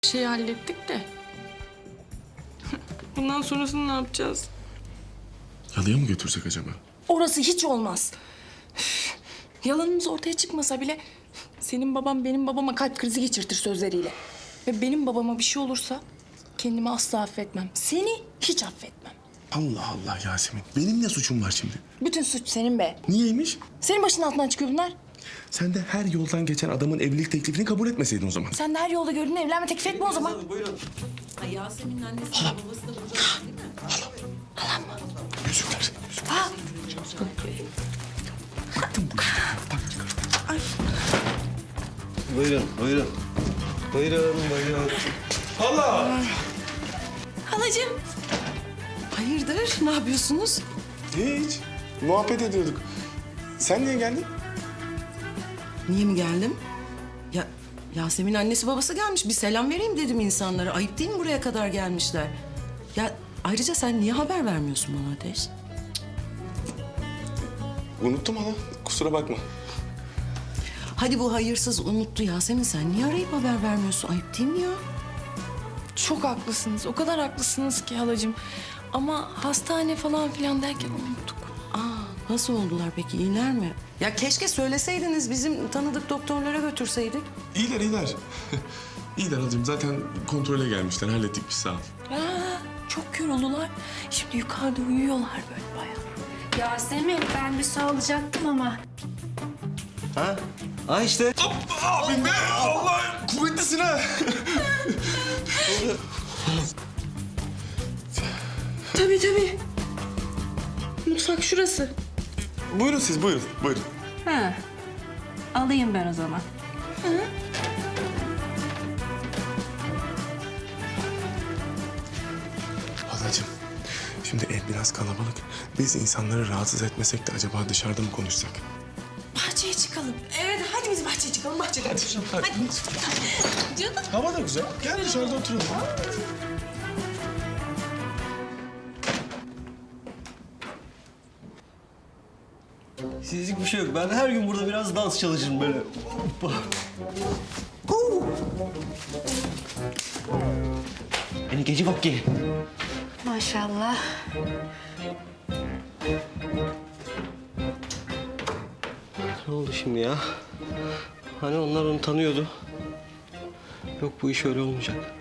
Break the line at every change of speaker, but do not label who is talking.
şeyi hallettik de. Bundan sonrasını ne yapacağız?
Yalıya mı götürsek acaba?
Orası hiç olmaz. Yalanımız ortaya çıkmasa bile senin babam benim babama kalp krizi geçirtir sözleriyle. Ve benim babama bir şey olursa kendimi asla affetmem. Seni hiç affetmem.
Allah Allah Yasemin. Benim ne suçum var şimdi?
Bütün suç senin be.
Niyeymiş?
Senin başının altından çıkıyor bunlar.
Sen de her yoldan geçen adamın evlilik teklifini kabul etmeseydin o zaman.
Sen de her yolda gördüğün evlenme teklif etme o zaman.
Ay Yasemin'in annesi de babası da burada değil mi?
Yüzükler.
Buyurun, buyurun. Buyurun, buyurun.
Halacığım. Hayırdır? Ne yapıyorsunuz?
Hiç. Muhabbet ediyorduk. Sen niye geldin?
Niye mi geldim? Ya Yasemin annesi babası gelmiş. Bir selam vereyim dedim insanlara. Ayıp değil mi buraya kadar gelmişler? Ya ayrıca sen niye haber vermiyorsun bana Ateş?
Unuttum hala. Kusura bakma.
Hadi bu hayırsız unuttu Yasemin. Sen niye arayıp haber vermiyorsun? Ayıp değil mi ya?
Çok haklısınız. O kadar haklısınız ki halacığım. Ama hastane falan filan derken unuttuk.
Aa, nasıl oldular peki? İyiler mi? Ya keşke söyleseydiniz. Bizim tanıdık doktorlara götürseydik.
İyiler, iyiler. İyiler halacığım. Zaten kontrole gelmişler. Hallettik biz, sağ ol.
Çok yoruldular. Şimdi yukarıda uyuyorlar böyle bayağı.
Yasemin ben bir su alacaktım ama.
Ha? Ha işte.
Abim be! Allah! Kuvvetlisin ha!
Tabii. Mutfak şurası.
Buyurun siz, buyurun. Buyurun.
Ha. Alayım ben o zaman.
Halacığım, şimdi ev biraz kalabalık. Biz insanları rahatsız etmesek de acaba dışarıda mı konuşsak?
Bahçeye çıkalım. Evet hadi biz bahçeye çıkalım. Bahçede konuşalım.
Hadi.
Canım.
Hava da güzel. Gel dışarıda oturalım.
Sizlik bir şey yok. Ben her gün burada biraz dans çalışırım böyle. Hoppa. Beni gece bak ki.
Maşallah.
Ne oldu şimdi ya? Hani onlar onu tanıyordu. Yok bu iş öyle olmayacak.